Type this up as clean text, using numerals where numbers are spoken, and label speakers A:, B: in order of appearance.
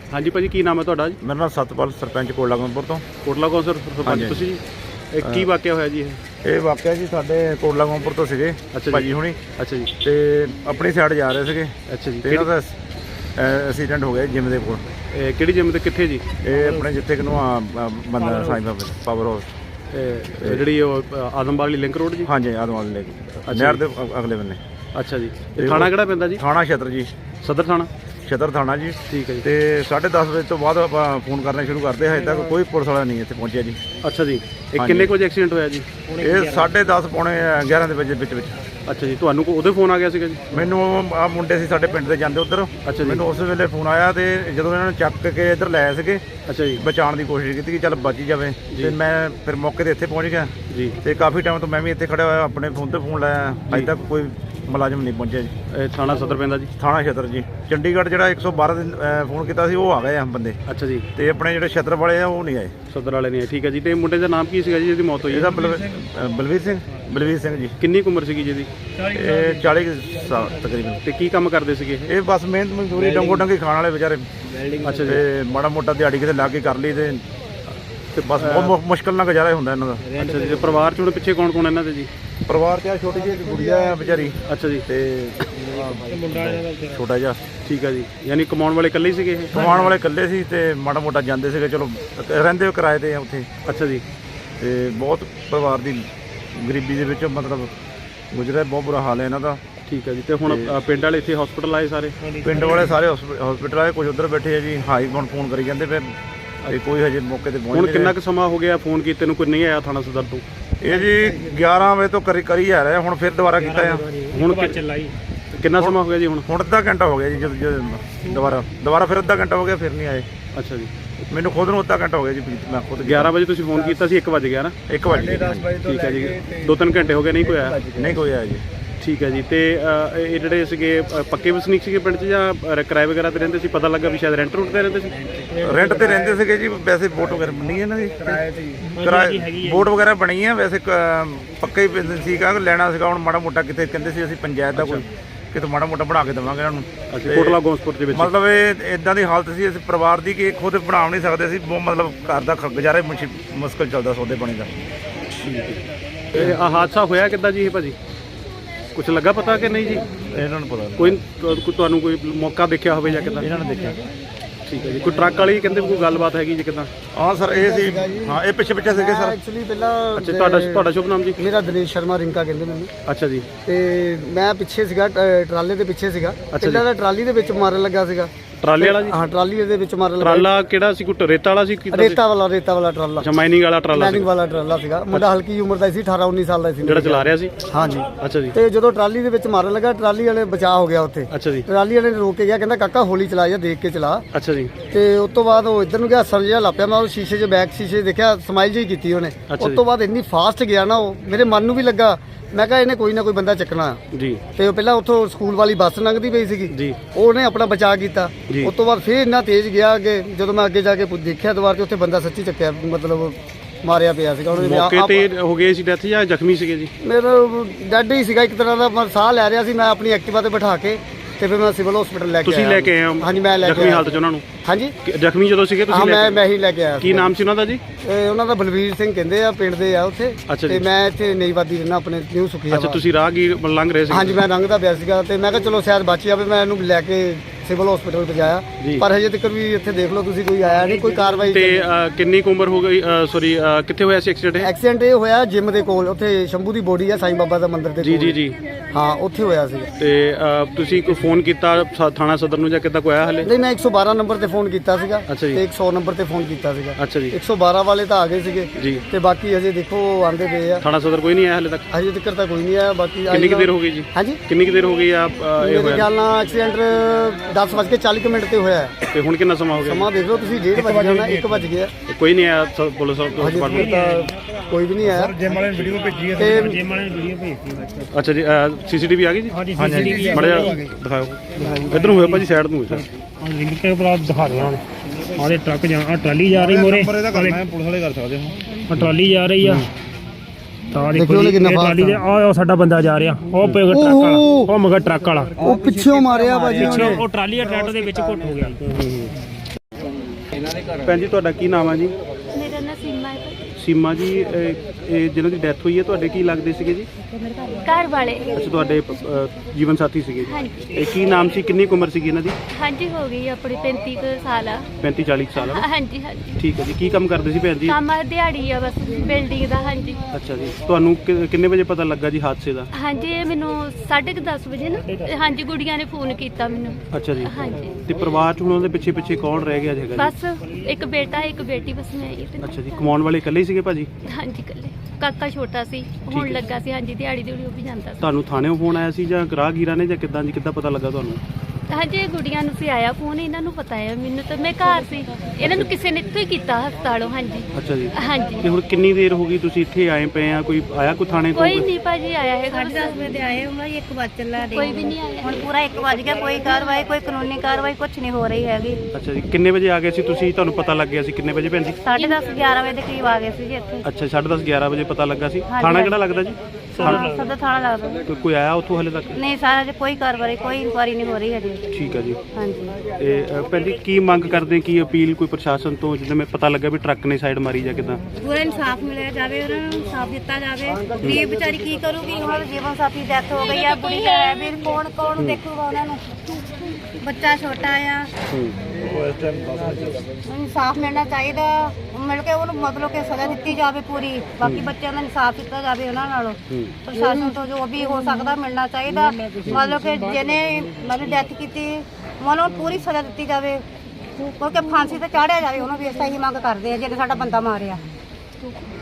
A: हाँ जी भाजी, की नाम है तुहाडा जी?
B: मेरा नाम सतपाल, सरपंच कोटला गौंसपुर तो।
A: कोटला कौंसर सरपंच
B: हाँ
A: तुसीं जी? की वाक़या होया जी?
B: ਇਹ ਵਾਕਿਆ ਜੀ ਸਾਡੇ ਕੋਟਲਾ ਗੌਂਪੁਰ ਤੋਂ ਸੀਗੇ
A: ਅੱਛਾ
B: ਭਾਜੀ
A: ਜੀ।
B: ਹੁਣੀ
A: अच्छा जी।
B: ਤੇ ਆਪਣੀ ਸਾਈਡ ਜਾ ਰਹੇ ਸੀਗੇ
A: अच्छा जी।
B: ਤੇ ਇਹਨਾਂ ਦਾ ਐਕਸੀਡੈਂਟ ਹੋ ਗਿਆ ਜਿਮ ਦੇ ਕੋਲ।
A: ਕਿਹੜੀ ਜਿਮ ਤੇ ਕਿੱਥੇ ਜੀ?
B: ਇਹ ਆਪਣੇ ਜਿੱਥੇ ਕਿ ਨੂੰ ਬੰਦਾ ਸਾਈਂ ਬਾਬਾ ਪਾਵਰ ਹਾਊਸ
A: ਜਿਹੜੀ ਉਹ ਆਦਮਬਾਗ ਵਾਲੀ ਲਿੰਕ ਰੋਡ ਜੀ?
B: ਹਾਂਜੀ ਆਦਮਾਲ ਲੈ ਕੇ ਨਹਿਰ ਦੇ ਅਗਲੇ ਬੰਨੇ।
A: ਅੱਛਾ ਜੀ। ਤੇ ਥਾਣਾ ਕਿਹੜਾ ਪੈਂਦਾ ਜੀ?
B: ਥਾਣਾ ਛਤਰ ਜੀ,
A: ਸਦਰ ਥਾਣਾ।
B: ਛਤਰ ਥਾਣਾ ਜੀ।
A: ਠੀਕ ਹੈ ਜੀ।
B: ਤੇ 10:30 ਵਜੇ ਤੋਂ ਬਾਅਦ ਆਪਾਂ ਫੋਨ ਕਰਨੇ ਸ਼ੁਰੂ ਕਰਦੇ, ਹਜੇ ਤੱਕ ਕੋਈ ਪੁਲਿਸ ਵਾਲਾ ਨਹੀਂ ਇੱਥੇ ਪਹੁੰਚਿਆ ਜੀ।
A: ਅੱਛਾ ਜੀ। ਇਹ ਕਿੰਨੇ ਕੁ ਵਜੇ ਐਕਸੀਡੈਂਟ ਹੋਇਆ ਜੀ?
B: ਇਹ 10:30 ਪੌਣੇ 11 ਦੇ ਵਜੇ ਵਿੱਚ।
A: ਅੱਛਾ ਜੀ। ਤੁਹਾਨੂੰ ਉਹਦੇ ਫੋਨ ਆ ਗਿਆ ਸੀਗਾ ਜੀ?
B: ਮੈਨੂੰ ਆ ਮੁੰਡੇ ਸੀ ਸਾਡੇ ਪਿੰਡ ਦੇ ਜਾਂਦੇ ਉੱਧਰ।
A: ਅੱਛਾ ਜੀ।
B: ਮੈਨੂੰ ਉਸ ਵੇਲੇ ਫੋਨ ਆਇਆ ਤੇ ਜਦੋਂ ਇਹਨਾਂ ਨੇ ਚੱਕ ਕੇ ਇੱਧਰ ਲੈ ਸੀਗੇ,
A: ਅੱਛਾ ਜੀ।
B: ਬਚਾਉਣ ਦੀ ਕੋਸ਼ਿਸ਼ ਕੀਤੀ ਕਿ ਚੱਲ ਬਚ ਹੀ ਜਾਵੇ। ਤੇ ਮੈਂ ਫਿਰ ਮੌਕੇ ਤੇ ਇੱਥੇ ਪਹੁੰਚ ਗਿਆ
A: ਜੀ।
B: ਤੇ ਕਾਫੀ ਟਾਈਮ ਤੋਂ ਮੈਂ ਵੀ ਇੱਥੇ ਖੜਿਆ ਹੋਇਆ, ਆਪਣੇ ਫੋਨ ਤੇ ਫੋਨ ਲਾਇਆ, ਅਜੇ ਤੱਕ ਕੋਈ ਮੁਲਾਜ਼ਮ ਨਹੀਂ ਪਹੁੰਚਿਆ ਜੀ।
A: ਇਹ ਥਾਣਾ ਸਦਰ ਪੈਂਦਾ ਜੀ?
B: ਥਾਣਾ ਛਤਰ ਜੀ। ਚੰਡੀਗੜ੍ਹ ਜਿਹੜਾ 112 ਦੇ ਫੋਨ ਕੀਤਾ ਸੀ ਉਹ ਆ ਗਏ ਆ ਬੰਦੇ,
A: ਅੱਛਾ ਜੀ।
B: ਤੇ ਆਪਣੇ ਜਿਹੜੇ ਛਤਰ ਵਾਲੇ ਆ ਉਹ ਨਹੀਂ ਆਏ।
A: ਸਦਰ ਵਾਲੇ ਨਹੀਂ ਆਏ, ਠੀਕ ਹੈ ਜੀ। ਤੇ ਮੁੰਡੇ ਦਾ ਨਾਮ ਕੀ ਸੀਗਾ ਜੀ ਜਿਹਦੀ ਮੌਤ ਹੋਈ?
B: ਇਹਦਾ ਬਲਵੀਰ ਸਿੰਘ ਜੀ।
A: ਕਿੰਨੀ ਕੁ ਉਮਰ ਸੀਗੀ ਜਿਹਦੀ?
B: ਇਹ 40 ਸਾਲ ਤਕਰੀਬਨ।
A: ਤੇ ਕੀ ਕੰਮ ਕਰਦੇ ਸੀਗੇ
B: ਇਹ ਬਸ ਮਿਹਨਤ ਮਜ਼ਦੂਰੀ ਡੰਗੋ ਡੰਗੀ ਖਾਣ ਵਾਲੇ ਵਿਚਾਰੇ।
A: ਅੱਛਾ ਜੀ।
B: ਤੇ ਮਾੜਾ ਮੋਟਾ ਦਿਹਾੜੀ ਕਿਤੇ ਲਾ ਕੇ ਕਰ ਲਈ ਤੇ ਬਸ ਬਹੁਤ ਮੁਸ਼ਕਲ ਨਾਲ ਗੁਜ਼ਾਰਾ ਹੁੰਦਾ ਇਹਨਾਂ ਦਾ।
A: ਅੱਛਾ ਜੀ। ਤੇ ਪਰਿਵਾਰ ਚ ਹੁਣ ਪਿੱਛੇ ਕੌਣ ਕੌਣ ਇਹਨਾਂ ਦੇ ਜੀ?
B: ਪਰਿਵਾਰ 'ਚ ਛੋਟੀ ਜਿਹੀ ਗੁੜੀਆ ਆ ਵਿਚਾਰੀ।
A: ਅੱਛਾ ਜੀ।
B: ਤੇ ਛੋਟਾ ਜਿਹਾ।
A: ਠੀਕ ਹੈ ਜੀ। ਯਾਨੀ ਕਮਾਉਣ ਵਾਲੇ ਇਕੱਲੇ ਹੀ ਸੀਗੇ ਇਹ?
B: ਕਮਾਉਣ ਵਾਲੇ ਇਕੱਲੇ ਸੀ ਤੇ ਮਾੜਾ ਮੋਟਾ ਜਾਂਦੇ ਸੀਗੇ, ਚਲੋ ਰਹਿੰਦੇ ਕਿਰਾਏ ਤੇ ਆ ਉੱਥੇ।
A: ਅੱਛਾ ਜੀ।
B: ਤੇ ਬਹੁਤ ਪਰਿਵਾਰ ਦੀ ਗਰੀਬੀ ਦੇ ਵਿੱਚ ਮਤਲਬ ਗੁਜ਼ਰਿਆ, ਬਹੁਤ ਬੁਰਾ ਹਾਲ ਹੈ ਇਹਨਾਂ ਦਾ।
A: ਠੀਕ ਹੈ ਜੀ। ਤੇ ਹੁਣ ਪਿੰਡ ਵਾਲੇ ਇੱਥੇ ਹਸਪੀਟਲ ਆਏ ਸਾਰੇ?
B: ਪਿੰਡ ਵਾਲੇ ਸਾਰੇ ਹਸਪੀਟਲ ਆਏ, ਕੁਝ ਉੱਧਰ ਬੈਠੇ ਆ ਜੀ। ਹਾਈ ਹੁਣ ਫੋਨ ਕਰੀ ਜਾਂਦੇ ਫਿਰ, ਤੇ ਕੋਈ ਹਜੇ ਮੌਕੇ ਤੇ ਪਹੁੰਚ
A: ਹੁਣ
B: ਨਹੀਂ
A: ਕਿੰਨਾ ਕੁ ਸਮਾਂ ਹੋ ਗਿਆ ਫੋਨ ਕੀਤੇ ਨੂੰ, ਕੋਈ ਨਹੀਂ ਆਇਆ ਥਾਣਾ ਸਦਰ ਤੋਂ?
B: ਇਹ ਜੀ 11 ਵਜੇ ਤੋਂ ਕਰੀ ਆ ਰਿਹਾ, ਹੁਣ ਫਿਰ ਦੁਬਾਰਾ ਕੀਤਾ ਆ।
A: ਹੁਣ ਕਿੰਨਾ ਸਮਾਂ ਹੋ ਗਿਆ ਜੀ? ਹੁਣ
B: ਅੱਧਾ ਘੰਟਾ ਹੋ ਗਿਆ ਜੀ। ਜਦੋਂ ਦੁਬਾਰਾ ਫਿਰ ਅੱਧਾ ਘੰਟਾ ਹੋ ਗਿਆ, ਫਿਰ ਨਹੀਂ ਆਏ।
A: ਅੱਛਾ ਜੀ।
B: ਮੈਨੂੰ ਖੁਦ ਨੂੰ ਅੱਧਾ ਘੰਟਾ ਹੋ ਗਿਆ ਜੀ। ਮੈਂ ਖੁਦ
A: 11 ਵਜੇ ਤੁਸੀਂ ਫੋਨ ਕੀਤਾ ਸੀ, 1 ਵਜ ਗਿਆ ਨਾ?
B: 1 ਵਜੇ।
A: ਠੀਕ ਹੈ ਜੀ। 2-3 ਘੰਟੇ ਹੋ ਗਏ, ਨਹੀਂ ਕੋਈ ਆਇਆ?
B: ਨਹੀਂ ਕੋਈ ਆਇਆ ਜੀ।
A: ਠੀਕ ਹੈ ਜੀ। ਤੇ ਇਹ ਜਿਹੜੇ ਸੀਗੇ ਪੱਕੇ ਵਸਨੀਕ ਸੀਗੇ ਪਿੰਡ 'ਚ ਜਾਂ ਕਿਰਾਏ ਵਗੈਰਾ ਤੇ ਰਹਿੰਦੇ ਸੀ? ਪਤਾ ਲੱਗਾ ਵੀ ਸ਼ਾਇਦ ਰੈਂਟ ਰੂਟ ਤੇ ਰਹਿੰਦੇ ਸੀ?
B: ਰੈਂਟ ਤੇ ਰਹਿੰਦੇ ਸੀਗੇ ਜੀ। ਵੈਸੇ ਵੋਟ ਵਗੈਰਾ ਬਣੀ ਹੈ ਇਹਨਾਂ ਦੀ, ਕਿਰਾਏ ਵੋਟ ਵਗੈਰਾ ਬਣੀ ਹੈ। ਵੈਸੇ ਪੱਕਾ ਹੀ ਸੀਗਾ, ਲੈਣਾ ਸੀਗਾ। ਹੁਣ ਮਾੜਾ ਮੋਟਾ ਕਿਤੇ ਕਹਿੰਦੇ ਸੀ ਅਸੀਂ ਪੰਚਾਇਤ ਦਾ ਕੋਈ ਕਿਤੇ ਮਾੜਾ ਮੋਟਾ ਬਣਾ ਕੇ ਦੇਵਾਂਗੇ ਇਹਨਾਂ ਨੂੰ।
A: ਅੱਛਾ। ਕੋਟਲਾ ਗੌਂਸਪੁਰ ਦੇ ਵਿੱਚ
B: ਮਤਲਬ ਇਹ ਇਦਾਂ ਦੀ ਹਾਲਤ ਸੀ ਇਸ ਪਰਿਵਾਰ ਦੀ ਕਿ ਖੁਦ ਬਣਾ ਨਹੀਂ ਸਕਦੇ ਸੀ। ਬਹੁਤ ਮਤਲਬ ਘਰ ਦਾ ਗੁਜ਼ਾਰਾ ਮੁਸ਼ਕਲ ਚੱਲਦਾ, ਸੌਦੇ ਪਾਣੀ ਦਾ।
A: ਇਹ ਹਾਦਸਾ ਹੋਇਆ ਕਿੱਦਾਂ ਜੀ ਇਹ ਭਾਜੀ? ਕੁਛ ਲੱਗਾ ਪਤਾ ਕਿ ਨਹੀਂ ਜੀ?
B: ਇਹਨਾਂ ਨੂੰ ਪਤਾ
A: ਕੋਈ ਤੁਹਾਨੂੰ ਕੋਈ ਮੌਕਾ ਦੇਖਿਆ ਹੋਵੇ ਜਾਂ ਕਿੱਦਾਂ?
B: ਇਹਨਾਂ ਨੇ ਦੇਖਿਆ।
A: ਠੀਕ ਹੈ ਜੀ। ਕੋਈ ਟਰੱਕ ਵਾਲੀ ਕਹਿੰਦੇ ਕੋਈ ਗੱਲਬਾਤ ਹੈਗੀ ਜੀ ਕਿੱਦਾਂ?
B: ਹਾਂ ਸਰ, ਇਹ ਸੀ। ਹਾਂ, ਇਹ ਪਿੱਛੇ ਸੀਗੇ ਸਰ।
C: ਐਕਚੁਅਲੀ ਪਹਿਲਾਂ
A: ਅੱਛਾ। ਤੁਹਾਡਾ ਸ਼ੁਭ ਨਾਮ ਜੀ?
C: ਮੇਰਾ ਦਿਨੇਸ਼ ਸ਼ਰਮਾ, ਰਿੰਕਾ ਕਹਿੰਦੇ ਮੈਨੂੰ।
A: ਅੱਛਾ ਜੀ।
C: ਤੇ ਮੈਂ ਪਿੱਛੇ ਸੀਗਾ, ਟਰਾਲੇ ਦੇ ਪਿੱਛੇ ਸੀਗਾ। ਪਹਿਲਾਂ ਤਾਂ ਟਰਾਲੀ ਦੇ ਵਿੱਚ ਮਾਰਨ ਲੱਗਾ ਸੀਗਾ।
A: ਟਰਾਲੇ ਵਾਲਾ ਜੀ?
C: ਹਾਂ, ਟਰਾਲੀ ਦੇ ਵਿੱਚ ਮਾਰਨ ਲੱਗਾ।
A: ਟਰਾਲਾ ਕਿਹੜਾ ਸੀ? ਕੋਈ ਰੇਤਾ ਵਾਲਾ ਸੀ?
C: ਰੇਤਾ ਵਾਲਾ ਟਰਾਲਾ।
A: ਅੱਛਾ, ਮਾਈਨਿੰਗ ਵਾਲਾ ਟਰਾਲਾ ਸੀ?
C: ਮਾਈਨਿੰਗ ਵਾਲਾ ਟਰਾਲਾ ਸੀਗਾ। ਮੁੰਡਾ ਹਲਕੀ ਉਮਰ ਦਾ ਸੀ, 18-19 ਸਾਲ ਦਾ ਸੀ
A: ਜਿਹੜਾ ਚਲਾ ਰਿਹਾ ਸੀ?
C: ਹਾਂਜੀ।
A: ਅੱਛਾ ਜੀ।
C: ਤੇ ਜਦੋਂ ਟਰਾਲੀ ਦੇ ਵਿੱਚ ਮਾਰਨ ਲੱਗਾ, ਟਰਾਲੀ ਵਾਲੇ ਬਚਾਅ ਹੋ ਗਿਆ ਉੱਥੇ।
A: ਅੱਛਾ ਜੀ।
C: ਟਰਾਲੀ ਵਾਲੇ ਨੇ ਰੋਕ ਕੇ ਗਿਆ, ਕਹਿੰਦਾ ਕਾਕਾ ਹੌਲੀ ਚਲਾ ਜਾ, ਦੇਖ ਕੇ ਚਲਾ।
A: ਅੱਛਾ ਜੀ।
C: ਤੇ ਉਸ ਤੋਂ ਬਾਅਦ ਉਹ ਇੱਧਰ ਨੂੰ ਗਿਆ, ਸਰ ਜਿਹਾ ਲਾਪਿਆ। ਮੈਂ ਉਹ ਸ਼ੀਸ਼ੇ 'ਚ ਬੈਕ ਸ਼ੀਸ਼ੇ ਦੇਖਿਆ, ਸਮਾਈਲ ਜਿਹੀ ਕੀਤੀ ਉਹਨੇ। ਉਸ ਤੋਂ ਬਾਅਦ ਇੰਨੀ ਫਾਸਟ ਗਿਆ ਨਾ ਉਹ, ਮੇਰੇ ਮਨ ਨੂੰ ਵੀ ਲੱਗਾ। ਮੈਂ ਕਿਹਾ ਇਹਨੇ ਕੋਈ ਨਾ ਕੋਈ ਬੰਦਾ ਚੱਕਣਾ
A: ਜੀ।
C: ਤੇ ਉਹ ਪਹਿਲਾਂ ਉੱਥੋਂ ਸਕੂਲ ਵਾਲੀ ਬੱਸ ਲੰਘਦੀ ਪਈ ਸੀਗੀ
A: ਜੀ।
C: ਉਹਨੇ ਆਪਣਾ ਬਚਾਅ ਕੀਤਾ। ਉਸ ਤੋਂ ਬਾਅਦ ਫਿਰ ਇੰਨਾ ਤੇਜ਼ ਗਿਆ ਅੱਗੇ, ਜਦੋਂ ਮੈਂ ਅੱਗੇ ਜਾ ਕੇ ਦੇਖਿਆ ਦੁਬਾਰ ਤੇ ਉੱਥੇ ਬੰਦਾ ਸੱਚੀ ਚੱਕਿਆ, ਮਤਲਬ ਮਾਰਿਆ ਪਿਆ ਸੀਗਾ।
A: ਮੌਕੇ ਤੇ ਹੋ ਗਏ ਸੀ ਡੈਥ ਜਾਂ ਜ਼ਖਮੀ ਸੀਗੇ ਜੀ?
C: ਮੇਰਾ ਡੈਡ ਹੀ ਸੀਗਾ ਇੱਕ ਤਰ੍ਹਾਂ ਦਾ। ਮੈਂ ਸਾਹ ਲੈ ਰਿਹਾ ਸੀ। ਮੈਂ ਆਪਣੀ ਐਕਟਿਵਾ ਤੇ ਬਿਠਾ ਕੇ ਤੇ ਫਿਰ ਮੈਂ ਸਿਵਲ ਹਸਪੀਟਲ ਲੈ ਕੇ
A: ਤੁਸੀਂ ਲੈ ਕੇ ਆਏ ਹੋ?
C: ਹਾਂਜੀ, ਮੈਂ ਲੈ ਕੇ
A: ਜ਼ਖਮੀ ਹਾਲਤ 'ਚ ਉਹਨਾਂ ਨੂੰ?
C: ਹਾਂਜੀ।
A: ਜ਼ਖਮੀ ਜਦੋਂ ਸੀਗੇ ਤੁਸੀਂ?
C: ਮੈਂ ਹੀ ਲੈ ਕੇ ਆਇਆ।
A: ਕੀ ਨਾਮ ਸੀ ਉਹਨਾਂ ਦਾ ਜੀ?
C: ਉਹਨਾਂ ਦਾ ਬਲਵੀਰ ਸਿੰਘ ਕਹਿੰਦੇ ਆ, ਪਿੰਡ ਦੇ ਆ ਉੱਥੇ। ਤੇ ਮੈਂ ਇੱਥੇ ਨਈਵਾਦੀ ਰਹਿਣਾ, ਆਪਣੇ ਨਿਊ ਸੁਖੀ।
A: ਅੱਛਾ। ਤੁਸੀਂ ਰਾਹਗੀਰ ਲੰਘ ਰਹੇ ਸੀ?
C: ਹਾਂਜੀ, ਮੈਂ ਲੰਘਦਾ ਪਿਆ ਸੀਗਾ ਤੇ ਮੈਂ ਕਿਹਾ ਚਲੋ ਸ਼ਾਇਦ ਬਚ ਜਾਵੇ। ਮੈਂ ਇਹਨੂੰ ਲੈ ਕੇ ਸਿਵਲ ਹਸਪੀਟਲ ਪਹੁੰਚਾਇਆ, ਪਰ ਹਜੇ ਤੱਕ ਵੀ ਇੱਥੇ ਦੇਖ ਲਓ ਤੁਸੀਂ, ਕੋਈ ਆਇਆ ਨਹੀਂ, ਕੋਈ ਕਾਰਵਾਈ।
A: ਤੇ ਕਿੰਨੀ ਕੁ ਉਮਰ ਹੋ ਗਈ? ਸੌਰੀ, ਕਿੱਥੇ ਹੋਇਆ ਸੀ ਐਕਸੀਡੈਂਟ?
C: ਐਕਸੀਡੈਂਟ ਇਹ ਹੋਇਆ ਜਿਮ ਦੇ ਕੋਲ, ਉੱਥੇ ਸ਼ੰਭੂ ਦੀ ਬੋਡੀ ਆ ਸਾਈਂ ਬਾਬਾ ਦਾ ਮੰਦਿਰ ਦੇ ਕੋਲ।
A: ਜੀ ਜੀ।
C: ਹਾਂ, ਉੱਥੇ ਹੋਇਆ ਸੀ।
A: ਤੇ ਤੁਸੀਂ ਕੋਈ ਫੋਨ ਕੀਤਾ ਥਾਣਾ ਸਦਰ ਨੂੰ ਜਾਂ ਕਿੱਦਾਂ ਕੋਈ ਆਇਆ ਹਲੇ?
C: ਨਹੀਂ, ਮੈਂ 112 ਨੰਬਰ ਤੇ ਫੋਨ ਕੀਤਾ ਸੀਗਾ
A: ਤੇ
C: 100 ਨੰਬਰ ਤੇ ਫੋਨ ਕੀਤਾ ਸੀਗਾ।
A: ਅੱਛਾ ਜੀ।
C: 112 ਵਾਲੇ ਤਾਂ ਆ ਗਏ ਸੀਗੇ
A: ਜੀ।
C: ਤੇ ਬਾਕੀ ਹਜੇ ਦੇਖੋ ਆਂਦੇ ਪਏ ਆ।
A: ਥਾਣਾ ਸਦਰ ਕੋਈ ਨਹੀਂ ਆਇਆ ਹਲੇ ਤੱਕ?
C: ਹਜੇ ਤੱਕ ਤਾਂ ਕੋਈ ਨਹੀਂ ਆਇਆ। ਬਾਕੀ
A: ਕਿੰਨੀ ਕੁ ਦੇਰ ਹੋ ਗਈ ਜੀ?
C: ਹਾਂਜੀ,
A: ਕਿੰਨੀ ਕੁ ਦੇਰ ਹੋ ਗਈ ਆ?
C: ਮੇਰੇ ਖਿਆਲ ਨਾਲ ਐਕਸੀਡੈਂਟ 10:40 ਮਿੰਟ ਤੇ ਹੋਇਆ।
A: ਤੇ ਹੁਣ ਕਿੰਨਾ ਸਮਾਂ ਹੋ ਗਿਆ?
C: ਸਮਾਂ ਦੇਖ ਲਓ ਤੁਸੀਂ, 1:30 ਵਜ ਜਾਣਾ, 1 ਵਜ ਗਿਆ।
A: ਕੋਈ ਨਹੀਂ ਆਇਆ ਪੁਲਿਸ ਡਿਪਾਰਟਮੈਂਟ?
C: ਕੋਈ ਵੀ ਨਹੀਂ ਆਇਆ।
B: ਜਿਮ ਵਾਲੇ ਨੇ ਵੀਡੀਓ ਭੇਜੀ ਹੈ।
C: ਜਿਮ ਵਾਲੇ ਨੇ ਵੀਡੀਓ
A: ਭੇਜੀ। ਅੱਛਾ ਜੀ। ਸੀਸੀਟੀਵੀ ਆ ਗਈ ਜੀ?
C: ਹਾਂਜੀ,
A: ਮੜਿਆ ਦਿਖਾਓ। ਇਧਰ ਨੂੰ ਹੋਇਆ ਭਾਜੀ, ਸਾਈਡ ਨੂੰ ਹੋਇਆ।
D: ਲਿੰਕ ਤੇ ਭਰਾ ਦਿਖਾ ਰਿਹਾ ਹੁਣ। ਆਹ ਟਰੱਕ ਜਾ, ਆ ਟਰਾਲੀ ਜਾ ਰਹੀ ਮੋਰੇ।
B: ਪੁਲਿਸ ਵਾਲੇ ਕਰ ਸਕਦੇ ਹੋ।
D: ਆ ਟਰਾਲੀ ਜਾ ਰਹੀ ਆ। ਤਾਂ ਦੇਖੋ ਜੀ ਟਰਾਲੀ ਦੇ ਆ ਸਾਡਾ ਬੰਦਾ ਜਾ ਰਿਹਾ। ਉਹ ਪੇ ਟਰੱਕ ਵਾਲਾ, ਉਹ ਮਗਰ ਟਰੱਕ ਵਾਲਾ
C: ਉਹ ਪਿੱਛੋਂ ਮਾਰਿਆ ਭਾਜੀ
D: ਪਿੱਛੋਂ। ਉਹ ਟਰਾਲੀ ਆ ਟਰੈਕਟਰ ਦੇ ਵਿੱਚ ਘੁੱਟ ਹੋ ਗਿਆ।
A: ਭੈਣ ਜੀ ਤੁਹਾਡਾ ਕੀ ਨਾਮ ਹੈ ਜੀ?
E: ਮੇਰਾ ਨਾਂ ਸੀਮਾ ਹੈ।
A: ਸੀਮਾ ਜੀ, ਇਹ ਜਿਹਨਾਂ ਦੀ ਡੈਥ ਹੋਈ ਹੈ ਤੁਹਾਡੇ ਕੀ ਲੱਗਦੇ ਸੀਗੇ ਜੀ?
E: ਘਰ ਵਾਲੇ।
A: ਅੱਛਾ, ਤੁਹਾਡੇ ਜੀਵਨ ਸਾਥੀ ਸੀਗੇ ਜੀ।
E: ਹਾਂਜੀ
A: ਇਹ ਕੀ ਨਾਮ ਸੀ, ਕਿੰਨੀ ਕੁ ਉਮਰ ਸੀਗੀ ਇਹਨਾਂ ਦੀ?
E: ਹਾਂਜੀ ਹੋ ਗਈ ਆਪਣੀ 35 ਕੁ ਸਾਲ ਆ।
A: 35-40 ਸਾਲ ਆ।
E: ਹਾਂਜੀ ਹਾਂਜੀ
A: ਠੀਕ ਹੈ ਜੀ। ਕੀ ਕੰਮ ਕਰਦੇ ਸੀ ਭੈਣ ਜੀ?
E: ਕੰਮ ਦਿਹਾੜੀ ਆ ਬਸ ਬਿਲਡਿੰਗ ਦਾ। ਹਾਂਜੀ
A: ਅੱਛਾ ਜੀ। ਤੁਹਾਨੂੰ ਕਿੰਨੇ ਵਜੇ ਪਤਾ ਲੱਗਾ ਜੀ ਹਾਦਸੇ ਦਾ?
E: ਹਾਂਜੀ ਇਹ ਮੈਨੂੰ 10:30 ਵਜੇ ਨਾ ਹਾਂਜੀ ਗੁੜੀਆਂ ਨੇ ਫੋਨ ਕੀਤਾ ਮੈਨੂੰ।
A: ਅੱਛਾ ਜੀ।
E: ਹਾਂਜੀ
A: ਤੇ ਪਰਿਵਾਰ ਚ ਹੁਣ ਉਹਦੇ ਪਿੱਛੇ ਪਿੱਛੇ ਕੌਣ ਰਹਿ ਗਿਆ ਹੈਗਾ ਜੀ?
E: ਬਸ ਇੱਕ ਬੇਟਾ ਇੱਕ ਬੇਟੀ, ਬਸ ਮੈਂ ਹੀ ਤੇ।
A: ਅੱਛਾ ਜੀ। ਕਮਾਉਣ ਵਾਲੇ ਇਕੱਲੇ ਹੀ ਸੀਗੇ ਭਾਜੀ?
E: ਹਾਂਜੀ ਇਕੱਲੇ। ਕਾਕਾ ਛੋਟਾ ਸੀ, ਹੁਣ ਲੱਗਾ ਸੀ। ਹਾਂਜੀ ਦਿਹਾੜੀ ਦਿਹੜੀ ਉਹ ਵੀ ਜਾਂਦਾ ਸੀ।
A: ਤੁਹਾਨੂੰ ਥਾਣੇੋਂ ਫੋਨ ਆਇਆ ਸੀ ਜਾਂ ਗ੍ਰਾਹਕੀਰਾਂ ਨੇ ਜਾਂ ਕਿੱਦਾਂ ਜੀ? ਕਿੱਦਾਂ ਪਤਾ ਲੱਗਾ ਤੁਹਾਨੂੰ?
E: ਹਾਂਜੀ ਇਹ ਗੁੜੀਆਂ ਨੂੰ ਸੀ ਆਇਆ ਫੋਨ, ਇਹਨਾਂ ਨੂੰ ਪਤਾ ਹੈ, ਮੈਨੂੰ ਤਾਂ ਮੈਂ ਘਰ ਸੀ। ਇਹਨਾਂ ਨੂੰ ਕਿਸੇ ਨੇ ਇੱਥੋਂ ਹੀ ਕੀਤਾ ਹਸਪਤਾਲੋਂ। ਹਾਂਜੀ
A: ਅੱਛਾ ਜੀ।
E: ਹਾਂਜੀ
A: ਤੇ ਹੁਣ ਕਿੰਨੀ ਦੇਰ ਹੋ ਗਈ ਤੁਸੀਂ ਇੱਥੇ ਆਏ ਪਏ ਆ? ਕੋਈ ਆਇਆ ਕੋਈ ਥਾਣੇ ਤੋਂ?
E: ਕੋਈ ਨਹੀਂ ਭਾਜੀ ਆਇਆ ਹੈਗਾ।
F: 10 ਵਜੇ ਦੇ ਆਏ ਉਹਨਾਂ 1 ਵਜ ਚੱਲਾ ਦੇ।
E: ਕੋਈ ਵੀ ਨਹੀਂ ਆਇਆ।
F: ਹੁਣ ਪੂਰਾ 1 ਵਜ ਗਿਆ, ਕੋਈ ਕਾਰਵਾਈ, ਕੋਈ ਕਾਨੂੰਨੀ ਕਾਰਵਾਈ ਕੁਝ ਨਹੀਂ ਹੋ ਰਹੀ ਹੈਗੀ।
A: ਅੱਛਾ ਜੀ। ਕਿੰਨੇ ਵਜੇ ਆ ਗਏ ਸੀ ਤੁਸੀਂ? ਤੁਹਾਨੂੰ ਪਤਾ ਲੱਗ ਗਿਆ ਸੀ ਕਿੰਨੇ ਵਜੇ ਭੈਣ ਜੀ?
F: 10:30 11 ਵਜੇ ਦੇ ਕਰੀਬ ਆ ਗਏ ਸੀ ਜੀ ਇੱਥੇ।
A: ਅੱਛਾ, 10:30 11 ਵਜੇ ਪਤਾ ਲੱਗਾ ਸੀ।
F: ਹਾਂਜੀ,
A: ਥਾਣਾ ਕਿਹੜਾ ਲੱਗਦਾ ਜੀ?
F: ਸਦਰ ਥਾਣਾ ਲੱਗਦਾ।
A: ਕੋਈ ਆਇਆ ਉੱਥੋਂ ਹਲੇ ਤੱਕ?
F: ਨਹੀਂ ਸਾਰਾ ਜੇ ਕੋਈ ਕਾਰਵਾਈ, ਕੋਈ ਇਨਕੁਆਰੀ ਨਹੀਂ ਹੋ ਰਹੀ ਹੈਗੀ।
A: ਠੀਕ ਹੈ ਜੀ।
F: ਹਾਂਜੀ
A: ਤੇ ਭੈਣ ਜੀ ਕੀ ਮੰਗ ਕਰਦੇ, ਕੀ ਅਪੀਲ ਕੋਈ ਪ੍ਰਸ਼ਾਸਨ ਤੋਂ? ਜਿੱਦਾਂ ਮੈਂ ਪਤਾ ਲੱਗਾ ਵੀ ਟਰੱਕ ਨੇ ਸਾਈਡ ਮਾਰੀ ਜਾਂ ਕਿੱਦਾਂ?
F: ਪੂਰਾ ਇਨਸਾਫ ਮਿਲਿਆ ਜਾਵੇ, ਉਹਨਾਂ ਨੂੰ ਇਨਸਾਫ ਦਿੱਤਾ ਜਾਵੇ। ਗਰੀਬ ਵਿਚਾਰੀ ਕੀ ਕਰੂਗੀ? ਉਹਨਾਂ ਦਾ ਜੀਵਨ ਸਾਥੀ ਡੈਥ ਹੋ ਗਈ ਆ, ਬੁਰੀ ਤਰ੍ਹਾਂ ਵੀ ਕੌਣ ਦੇਖੂਗਾ ਉਹਨਾਂ ਨੂੰ? ਬੱਚਾ ਛੋਟਾ ਆ। ਇਨਸਾਫ ਮਿਲਣਾ ਚਾਹੀਦਾ, ਮਿਲ ਕੇ ਉਹਨੂੰ ਮਤਲਬ ਕਿ ਸਜ਼ਾ ਦਿੱਤੀ ਜਾਵੇ ਪੂਰੀ। ਬਾਕੀ ਬੱਚਿਆਂ ਦਾ ਇਨਸਾਫ ਦਿੱਤਾ ਜਾਵੇ ਉਹਨਾਂ ਨਾਲੋਂ। ਪ੍ਰਸ਼ਾਸਨ ਤੋਂ ਜੋ ਵੀ ਹੋ ਸਕਦਾ ਮਿਲਣਾ ਚਾਹੀਦਾ। ਮਤਲਬ ਕਿ ਜਿਹਨੇ ਮਤਲਬ ਡੈਥ ਕੀਤੀ ਉਹਨੂੰ ਪੂਰੀ ਸਜ਼ਾ ਦਿੱਤੀ ਜਾਵੇ, ਕਿਉਂਕਿ ਫਾਂਸੀ ਤੇ ਚਾੜਿਆ ਜਾਵੇ ਉਹਨੂੰ ਵੀ। ਅਸੀਂ ਇਹੀ ਮੰਗ ਕਰਦੇ ਆ ਜਿਹਨੇ ਸਾਡਾ ਬੰਦਾ ਮਾਰਿਆ।